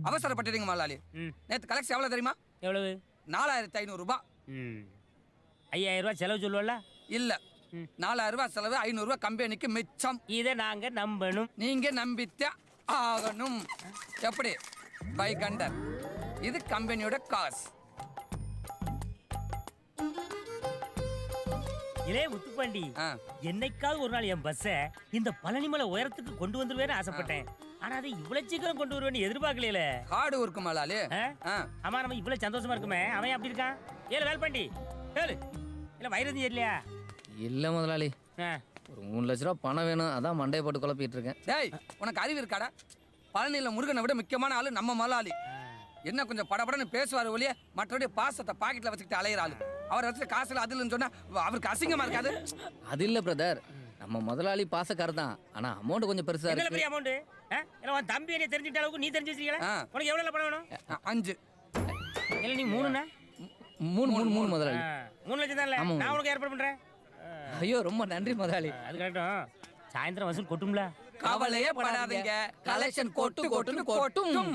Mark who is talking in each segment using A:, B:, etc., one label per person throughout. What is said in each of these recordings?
A: அவசரப்பட்டுறீங்க முதலாளி. நேற்று கலெக்ஷன் எவ்வளோ தெரியுமா?
B: எவ்வளவு?
A: 4500 ரூபாய்.
B: 5000 ரூபாய் செலவு சொல்லுவல?
A: இல்ல, 4000 ரூபாய் செலவு, 500 ரூபாய் கம்பெனிக்கு மிச்சம்.
B: இதை நாங்க நம்பணும்.
A: நீங்க நம்பித்தே ஆகணும். எப்படி? பை கண்டர். இது கம்பெனியோட காசு.
B: இலே முத்துப்பாண்டி, என்னைக்காவது ஒரு நாள் என் பஸ்ஸை இந்த பழனிமலை உயரத்துக்கு கொண்டு வந்துருவேன்னு ஆசைப்பட்டேன். ஆனா அதை இவ்வளவு சீக்கிரம் கொண்டு வருவேன்னு எதிர்பார்க்கல.
A: காடு இருக்கு மலாலி.
B: ஆமா, நம்ம இவ்வளவு சந்தோஷமா இருக்குமே, அவன் அப்படி இருக்கான். ஏழு வேல்பாண்டி ஏழு இல்ல வைரதி இல்லையா?
C: இல்ல முதலாளி, ஒரு 3 லட்ச ரூபா பணம் வேணும், அதான் மண்டையை போட்டு குழப்பிட்டு இருக்கேன்.
A: டேய், உனக்கு அறிவு இருக்காடா? பழனியில முருகனை விட முக்கியமான ஆளு நம்ம மலாலி. என்ன கொஞ்சம் படபடன்னு பேசுவார் ஒழிய மற்றபடி பாசத்தை பாக்கெட்ல வச்சுக்கிட்டு அலையிற ஆளு. அவர் வச்சு காசுல அதுலன்னு சொன்னா அவருக்கு அசிங்கமா இருக்காது?
C: அது இல்ல பிரதர், நம்ம முதலாளி பாசக்காரர் தான், ஆனா அமௌண்ட் கொஞ்சம் பெருசா இருக்கு.
B: பெரிய அமௌண்ட். உன் தம்பி என்ன தெரிஞ்சுட்ட அளவுக்கு நீ தெரிஞ்சு வச்சிருக்கீங்களா? உனக்கு எவ்வளவு பணம் வேணும்?
A: 5.
B: இல்ல நீ 3னா?
C: 3 முதலாளி.
B: 3 லட்சம் தான். நான் உனக்கு ஏற்பாடு பண்றேன்.
C: ஐயோ ரொம்ப நன்றி முதலாளி.
B: அது கரெக்டும். சாயந்தரம் வசூல் கொட்டும்ல?
A: கவலையே படாதீங்க, கலெக்ஷன் கொட்டுன்னு கொட்டும்.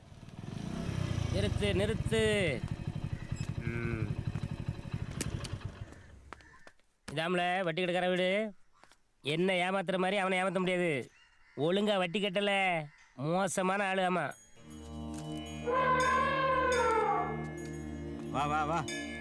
B: நிறுத்து. இதாமல வட்டி கட்டுக்கிற வீடு. என்ன ஏமாத்துற மாதிரி அவனை ஏமாத்த முடியாது. ஒழுங்கா வட்டி கட்டல, மோசமான ஆளு. ஆமா,
D: வா வா வா.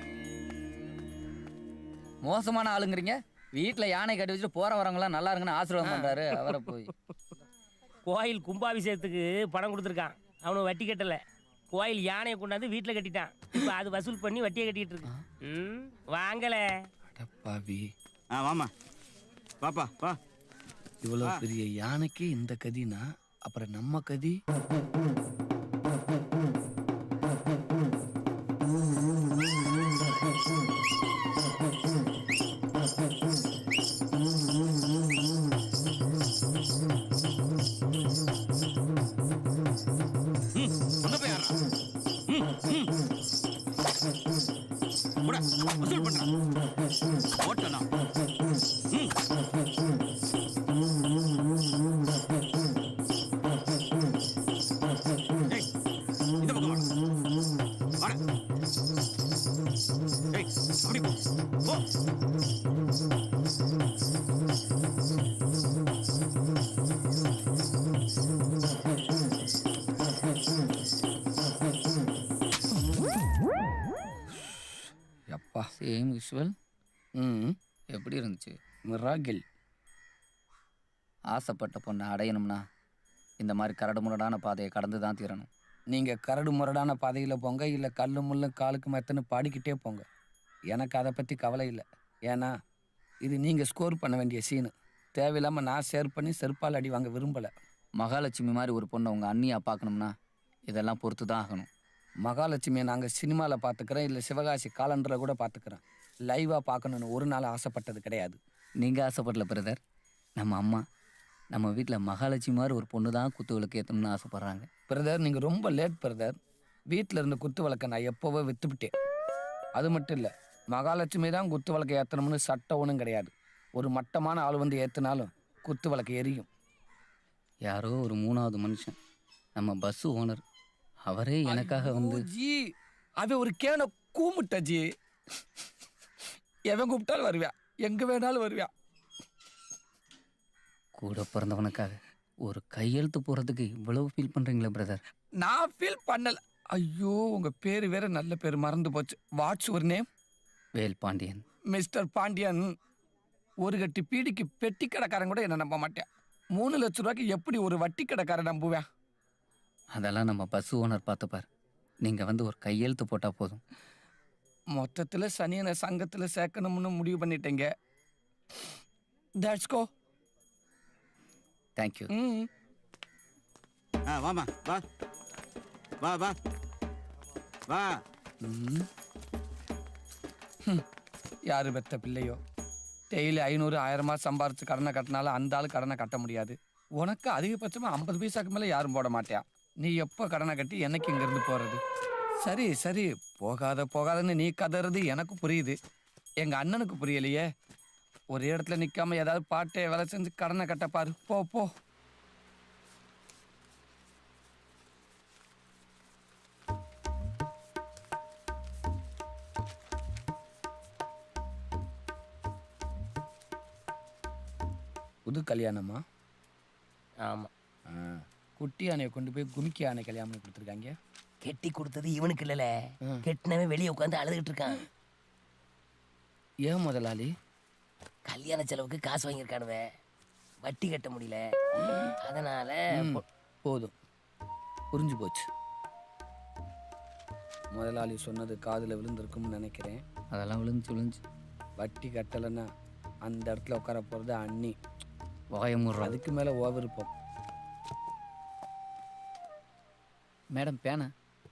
C: மோசமான ஆளுங்கிறீங்க? வீட்டுல யானை கட்டி வச்சுட்டு போற வரவங்களாம் நல்லா இருக்குன்னு ஆசீர்வாதம் பண்றாரு. அவரை போய்
B: கோயில் கும்பாபிஷேகத்துக்கு பணம் கொடுத்துருக்கான், அவனு வட்டி கட்டல. கோயில் யானையை கொண்டாந்து வீட்டுல கட்டிட்டான். இப்ப அது வசூல் பண்ணி வட்டியை கட்டிட்டு இருக்கு. வாங்கல
A: பாவி.
D: வாமா பாப்பா வா.
A: இவ்வளவு பெரிய யானைக்கு இந்த கதினா அப்புறம் நம்ம கதி.
D: வசூல் பண்றான் ஓட்டனா. இந்த பக்கம் வாடா. அப்படி போ.
C: அப்பா சேம் விஷுவல். எப்படி இருந்துச்சு?
A: மிராகில்.
C: ஆசைப்பட்ட பொண்ணை அடையணும்னா இந்த மாதிரி கரடு முரடான பாதையை கடந்து தான் தீரணும்.
A: நீங்கள் கரடு முரடான பாதையில் போங்க, இல்லை கல்லு முள்ளும் காலுக்கு மெத்தன்னு பாடிக்கிட்டே போங்க. எனக்கு அதை பற்றி கவலை இல்லை. ஏன்னா இது நீங்கள் ஸ்கோர் பண்ண வேண்டிய சீனு. தேவையில்லாமல் நான் ஷேர் பண்ணி செருப்பால் அடி வாங்க விரும்பலை.
C: மகாலட்சுமி மாதிரி ஒரு பொண்ணை உங்கள் அண்ணியாக பார்க்கணும்னா இதெல்லாம் பொறுத்து தான் ஆகணும்.
A: மகாலட்சுமியை நாங்கள் சினிமாவில் பார்த்துக்கிறோம், இல்லை சிவகாசி காலண்டரில் கூட பார்த்துக்கிறோம். லைவாக பார்க்கணுன்னு ஒரு நாள் ஆசைப்பட்டது கிடையாது.
C: நீங்கள் ஆசைப்படல பிரதர். நம்ம அம்மா நம்ம வீட்டில் மகாலட்சுமி மாதிரி ஒரு பொண்ணு தான் குத்து விளக்கு ஏற்றணும்னு ஆசைப்பட்றாங்க.
A: பிரதர், நீங்கள் ரொம்ப லேட் பிரதர். வீட்டில் இருந்த குத்து விளக்கை நான் எப்போவோ விற்றுவிட்டேன். அது மட்டும் இல்லை, மகாலட்சுமி தான் குத்து விளக்கை ஏற்றணும்னு சட்டம் ஒன்றும் கிடையாது. ஒரு மட்டமான ஆள் வந்து ஏற்றினாலும் குத்து விளக்கு எரியும்.
C: யாரோ ஒரு 3வது மனுஷன், நம்ம பஸ்ஸு ஓனர், அவரே எனக்காக வந்து
A: ஜி அவன் ஒரு கேனை கூமுட்ட ஜி. எவன் கூப்பிட்டாலும் வருவியா, எங்கே வேணாலும் வருவியா.
C: கூட பிறந்தவனுக்காக ஒரு கையெழுத்து போகிறதுக்கு இவ்வளவு ஃபீல் பண்ணுறீங்களா பிரதர்?
A: நான் ஃபீல் பண்ணல. ஐயோ, உங்கள் பேர் வேற நல்ல பேர் மறந்து போச்சு. What's your name?
C: Vel Pandian.
A: Mister Pandian. ஒரு கட்டி பீடிக்கு பெட்டி கடைக்காரன் கூட என்ன நம்ப மாட்டேன். 3 லட்ச ரூபாய்க்கு எப்படி ஒரு வட்டி கடைக்காரன் நம்புவேன்?
C: அதெல்லாம் நம்ம பஸ் ஓனர் பார்த்துப்பார். நீங்கள் வந்து ஒரு கையெழுத்து போட்டால் போதும்.
A: மொத்தத்தில் சனியனை சங்கத்தில் சேர்க்கணும்னு முடிவு பண்ணிட்டேங்க. That's go.
C: தேங்க்யூ.
D: வாமா வா வா வா வா.
A: யாரு பெத்த பிள்ளையோ, டெய்லி 500 1000 சம்பாரிச்சு கடனை கட்டினாலும் அந்த ஆள் கடனை கட்ட முடியாது. உனக்கு அதிகபட்சமாக 50 பைசாக்கு மேலே யாரும் போட மாட்டியா. நீ எப்போ கடனை கட்டி எனக்கு இங்கேருந்து போகிறது? சரி சரி, போகாதன்னு நீ கதறது எனக்கு புரியுது. எங்கள் அண்ணனுக்கு புரியலையே. ஒரே இடத்துல நிற்காம ஏதாவது பாட்டை வேலை செஞ்சு கடனை கட்டப்பாரு. போ போ. புது கல்யாணமா?
B: ஆமா.
A: ஆ, குட்டி யானையை கொண்டு போய் குமிக்கி யானை கல்யாணம் பண்ணி கொடுத்துருக்காங்க.
B: கெட்டி கொடுத்தது இவனுக்கு இல்லல,
A: ம்.
B: கெட்டினவன் வெளியே உட்காந்து அழுதுகிட்டு இருக்கான்.
A: ஏன் முதலாளி?
B: கல்யாண செலவுக்கு காசு வாங்கியிருக்கானுவ, வட்டி கட்ட முடியல, அதனால
A: ம், போதும், புரிஞ்சு போச்சு. முதலாளி சொன்னது காதில் விழுந்திருக்கும்னு நினைக்கிறேன்.
C: அதெல்லாம் விழுந்துச்சு.
A: வட்டி கட்டலைன்னா அந்த இடத்துல உட்கார போகிறது அண்ணி.
C: வாயமுடுறோம்.
A: அதுக்கு மேலே விருப்பம்.
C: மேடம் பேனா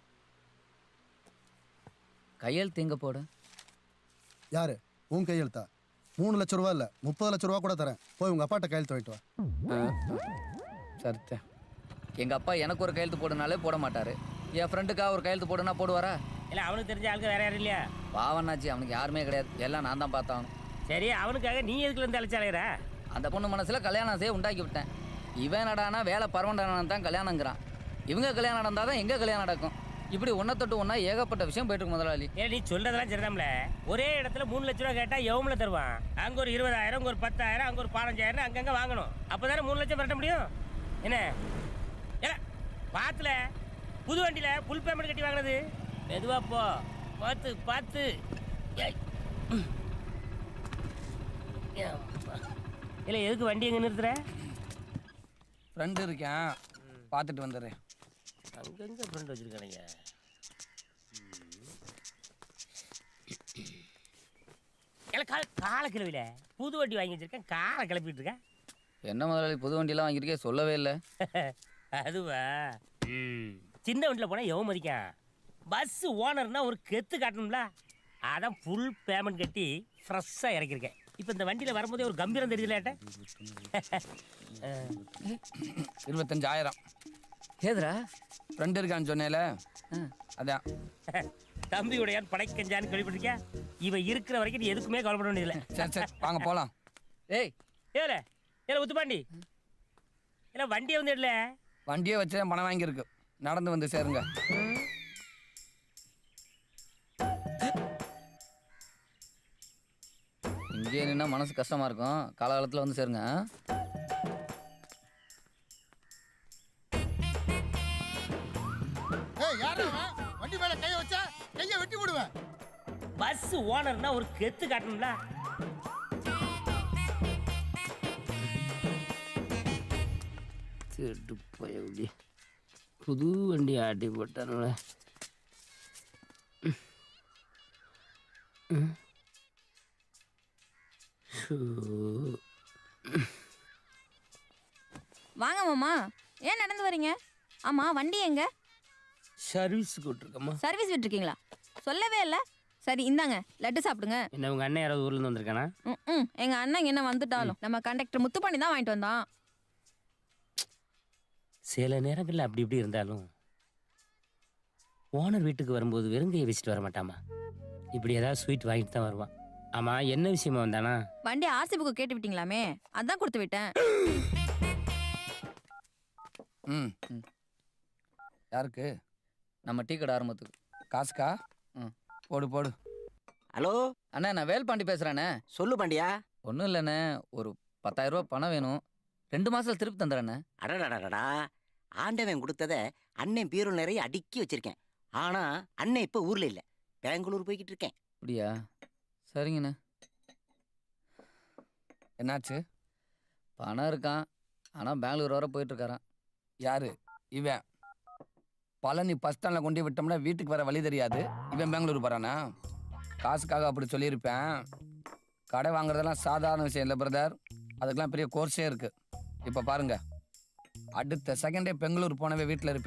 C: கையெழுத்து எங்கே போட?
E: யாரு உன் கையெழுத்தா? 3 லட்ச ரூபா இல்லை 30 லட்ச ரூபா கூட தரேன். போய் உங்கள் அப்பாட்ட கையெழுத்து வாங்கிட்டு வா.
A: சரித்தேன்.
C: எங்கள் அப்பா எனக்கு ஒரு கையெழுத்து போடுனாலே போட மாட்டார். என் ஃப்ரெண்டுக்காக ஒரு கையெழுத்து போடுனா போடுவாரா?
B: இல்ல அவனுக்கு தெரிஞ்ச ஆளுக்கு வேற யாரும் இல்லையா?
C: பாவனாச்சு, அவனுக்கு யாருமே கிடையாது. எல்லாம் நான் தான் பார்த்தாகணும்.
B: சரி, அவனுக்காக நீ எதுக்குல இருந்து அழைச்சாலையிற?
C: அந்த பொண்ணு மனசில் கல்யாணம் செய்ய உண்டாக்கி விட்டேன். இவன் நடானா வேலை பரவண்டான தான் கல்யாணங்கிறான். இவங்க கல்யாணம் நடந்தால் தான் எங்கே கல்யாணம் நடக்கும். இப்படி ஒன்றை தொட்டு ஒன்றா ஏகப்பட்ட விஷயம் போயிட்டு இருக்கு முதலாளி.
B: ஏன் நீ சொல்றதெல்லாம் சரிதான்ல. ஒரே இடத்துல 3 லட்ச ரூபா கேட்டா எவ்வளவு தருவான்? அங்க ஒரு 20,000, அங்க ஒரு 10,000, அங்க ஒரு 15,000 அங்கங்க வாங்கணும். அப்பதானே 3 லட்சம் பரட்ட முடியும். என்ன ஏல பாத்துல புது வண்டியில புல் பேமெண்ட் கட்டி வாங்கினது. மெதுவா போ, பார்த்து பார்த்து. ஏய். இல்ல எதுக்கு வண்டி எங்க நிறுத்துற?
A: ஃப்ரெண்டு இருக்கேன், பார்த்துட்டு வந்துடுறேன்.
B: அங்கங்க ஃப்ரெண்ட் வச்சிருக்கானுங்க. கால கிளவில புது வண்டி வாங்கி வச்சிருக்கேன், காலை கிளப்பிட்டு இருக்கேன்.
C: என்ன முதலாளி புது வண்டியெல்லாம் வாங்கியிருக்கே, சொல்லவே இல்லை.
B: அதுவா? சின்ன வண்டியில் போனால் எவன் மதிக்கான்? பஸ் ஓனர்னா ஒரு கெத்து காட்டணும்ல, அதான் ஃபுல் பேமெண்ட் கட்டி ஃப்ரெஷ்ஷாக இறக்கிருக்கேன். இப்போ இந்த வண்டியில் வரும்போதே ஒரு கம்பீரம் தெரியுதுல ஏட்ட.
A: 25,000.
C: ஏதுரா?
A: ஃப்ரெண்டு இருக்கான்னு சொன்னேல, அதான்.
B: தம்பியுடையான் படைக்கஞ்சான்னு கேள்விப்பட்டிருக்கியா? இவன் இருக்கிற வரைக்கும் நீ எதுக்குமே கவலைப்பட வேண்டியதில்லை.
A: சரி சரி, வாங்க போகலாம்.
C: ஏய்
B: ஏல ஏல உத்துப்பாண்டி, இல்லை வண்டியை வந்து இடல.
A: வண்டியை வச்சு தான் பணம் வாங்கியிருக்கு, நடந்து வந்து சேருங்க.
C: இங்கேயே நின்னா மனசு கஷ்டமாக இருக்கும். காலகாலத்தில் வந்து சேருங்க.
E: ஏய் யாரா வண்டி மேல கைய வச்சா கைய வெட்டி போடுவேன்.
B: பஸ் ஓனர்னா ஒரு கெத்து காட்டணும்ல. திருட்டு போய் புது வண்டி ஆட்டி போட்டானுல.
F: வாங்க மாமா, ஏன் நடந்து வரீங்க? ஆமா, வண்டி எங்க?
B: சர்வீஸ் கூட்டிருக்கம்மா.
F: சர்வீஸ் விட்டுருக்கீங்களா? சொல்லவே இல்லை. சரி இந்தாங்க, லட்டு சாப்பிடுங்க.
B: என்ன உங்க அண்ணன் யாராவது ஊர்ல இருந்து வந்திருக்கானா?
F: ம், எங்க அண்ணன் என்ன வந்துட்டாலும் நம்ம கண்டக்டர் முத்து பண்ணி தான் வாங்கிட்டு வந்தான்.
B: சில நேரங்களில் அப்படி இப்படி இருந்தாலும் ஓனர் வீட்டுக்கு வரும்போது வெறுங்கையை வச்சுட்டு வர மாட்டாமா. இப்படி ஏதாவது ஸ்வீட் வாங்கிட்டு தான் வருவான். ஆமா, என்ன விஷயமா வந்தானா?
F: வண்டி ஆர்சி புக்கு கேட்டு விட்டீங்களாமே, அதான் கொடுத்து விட்டேன்.
A: ம், யாருக்கு?
C: நம்ம டீ கடை ஆரம்பத்துக்கு.
A: காசுக்கா?
C: ம்.
A: போடு போடு.
G: ஹலோ
C: அண்ணா, நான் வேல்பாண்டி பேசுகிறேண்ணே.
G: சொல்லு பாண்டியா.
C: ஒன்றும் இல்லைண்ணே, ஒரு 10,000 ரூபா பணம் வேணும். 2 மாதத்தில் திருப்பி தந்துடுறேண்ணே.
G: அடடடடா, ஆண்டவன் கொடுத்தத அண்ணன் பீரோல் நிறைய அடுக்கி வச்சிருக்கேன். ஆனா அண்ணன் இப்ப ஊர்ல இல்ல, பெங்களூர் போய்கிட்டு இருக்கேன்.
C: அப்படியா? சரிங்கண்ணே.
A: என்னாச்சு?
C: பணம் இருக்கான், ஆனால் பெங்களூர் வர போயிட்டுருக்காரான்.
A: யாரு இவன்? பழனி பஸ் ஸ்டாண்டில் கொண்டு விட்டோம்னா வீட்டுக்கு வர வழி தெரியாது, இவன் பெங்களூர் போகிறானா? காசுக்காக அப்படி சொல்லியிருப்பேன். கடை வாங்குறதெல்லாம் சாதாரண விஷயம் இல்லை பிரதர், அதுக்கெல்லாம் பெரிய கோர்ஸே இருக்குது. இப்போ பாருங்க, அடுத்த செகண்டே பெங்களூர் போனவே வீட்டில் இருப்பேன்.